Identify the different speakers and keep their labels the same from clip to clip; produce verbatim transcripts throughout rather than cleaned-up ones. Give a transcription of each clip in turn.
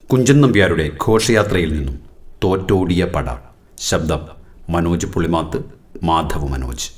Speaker 1: കുഞ്ചൻ നമ്പ്യാരുടെ ഘോഷയാത്രയിൽ നിന്നും തോറ്റോടിയ പട. ശബ്ദം മനോജ് പുളിമാത്ത്, മാധവ് മനോജ്.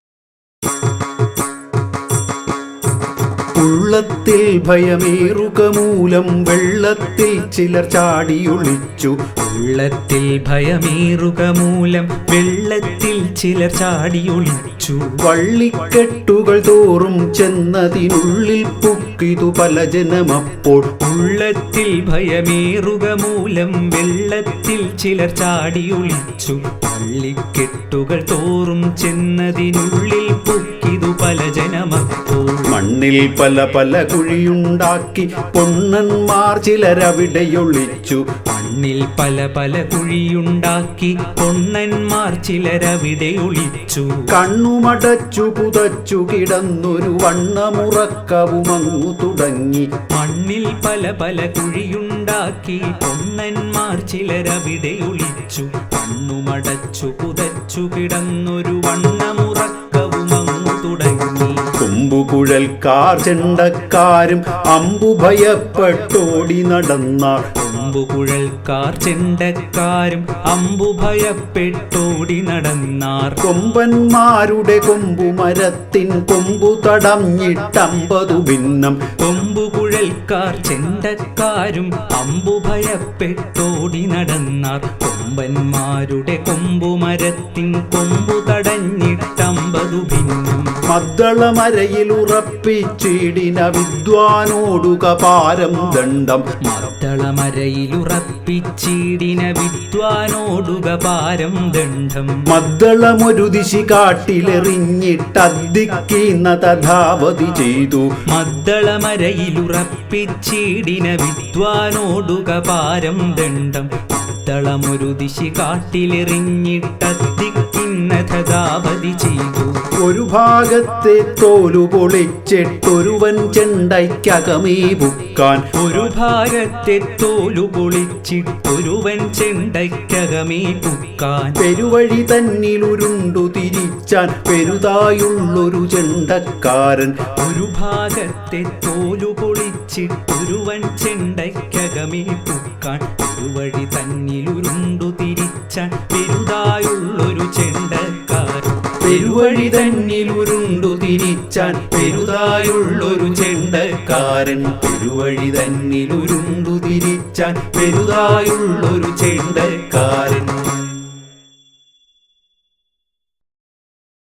Speaker 2: ഉള്ളത്തിൽ ഭയമേറുക മൂലം വെള്ളത്തിൽ ചിലർ ചാടിയൊളിച്ചു.
Speaker 3: ഉള്ളത്തിൽ ഭയമേറുക മൂലം വെള്ളത്തിൽ ചിലർ ചാടിയൊളിച്ചു.
Speaker 2: വള്ളിക്കെട്ടുകൾ തോറും ചെന്നതിനുള്ളിൽ പുക്കിതു പല ജനമപ്പോൾ.
Speaker 3: ഉള്ളത്തിൽ ഭയമേറുക മൂലം വെള്ളത്തിൽ ചിലർ ചാടിയൊളിച്ചു. വള്ളിക്കെട്ടുകൾ തോറും ചെന്നതിനുള്ളിൽ പുക്കിതു പല ജനമപ്പോൾ.
Speaker 2: മണ്ണിൽ പല പല കുഴിയുണ്ടാക്കി പൊണ്ണന്മാർ ചിലരവിടെയൊളിച്ചു.
Speaker 3: മണ്ണിൽ പല പല കുഴിയുണ്ടാക്കി പൊണ്ണന്മാർ ചിലരവിടെ ഒളിച്ചു.
Speaker 2: കണ്ണുമടച്ചു പുതച്ചു കിടന്നൊരു വണ്ണമുറക്കവുമങ്ങു തുടങ്ങി.
Speaker 3: മണ്ണിൽ പല പല കുഴിയുണ്ടാക്കി പൊണ്ണന്മാർ ചിലരവിടെ ഒളിച്ചു. കണ്ണുമടച്ചു പുതച്ചു കിടന്നൊരു വണ്ണമുറക്കവുമങ്ങു തുടങ്ങി.
Speaker 2: കൊമ്പുകുഴൽക്കാർ ചെണ്ടക്കാരും അമ്പു ഭയപ്പെട്ടോടി നടന്നാർ.
Speaker 3: കൊമ്പുകുഴൽക്കാർ ചെണ്ടക്കാരും അമ്പു ഭയപ്പെട്ടോടി നടന്നാർ.
Speaker 2: കൊമ്പന്മാരുടെ കൊമ്പുമരത്തിൻ കൊമ്പു തടഞ്ഞിട്ടമ്പതു ഭിന്നം.
Speaker 3: കൊമ്പുകുഴൽക്കാർ ചെണ്ടക്കാരും അമ്പു ഭയപ്പെട്ടോടി നടന്നാർ. കൊമ്പന്മാരുടെ കൊമ്പുമരത്തിൻ കൊമ്പു തടഞ്ഞിട്ടമ്പതു ഭിന്നം.
Speaker 2: മദ്ദളമരയിൽ ഉറപ്പിച്ചിടിന വിദ്വാനോടുക പാരം ദണ്ഡം.
Speaker 3: മദ്ദളമരയിലുറപ്പിച്ചിടിന വിദ്വാനോടുക പാരം ദണ്ഡം.
Speaker 2: മദ്ദളമൊരു ദിശി കാട്ടിലെറിഞ്ഞിട്ടദ്ദിക്കുന്ന തഥാവധി ചെയ്തു.
Speaker 3: മദ്ദളമരയിലുറപ്പിച്ചിടിന വിദ്വാനോടുക പാരം ദണ്ഡം. മദ്ദളമൊരു ദിശി കാട്ടിലെറിഞ്ഞിട്ടദ്ദിക്കുന്ന തഥാവധി ചെയ്തു.
Speaker 2: ഒരു ഭാഗത്തെ തോലു പൊളിച്ചിട്ടൊരുവൻ ചെണ്ടയ്ക്കകമേ പുക്കാൻ.
Speaker 3: ഒരു ഭാഗത്തെ തോലു പൊളിച്ചിട്ടൊരുവൻ ചെണ്ടയ്ക്കകമേ പുക്കാൻ.
Speaker 2: പെരുവഴി തന്നിലുരുണ്ടു തിരിച്ചാൻ പെരുതായുള്ളൊരു ചെണ്ടക്കാരൻ.
Speaker 3: ഒരു ഭാഗത്തെ തോലു പൊളിച്ചിട്ടൊരുവൻ ചെണ്ടയ്ക്കകമേ പുക്കാൻ. പെരുവഴി തന്നിലുരുണ്ടു തിരിച്ചാൻ പെരുതായുള്ളൊരു ചെണ്ടക്കാരൻ.
Speaker 2: പെരുവഴി തന്നിലുരുണ്ടു തിരിച്ചാൻ പെരുതായുള്ളൊരു ചെണ്ടക്കാരൻ. പെരുവഴി തന്നിലുരുണ്ടു തിരിച്ചാൻ പെരുതായുള്ളൊരു ചെണ്ടക്കാരൻ.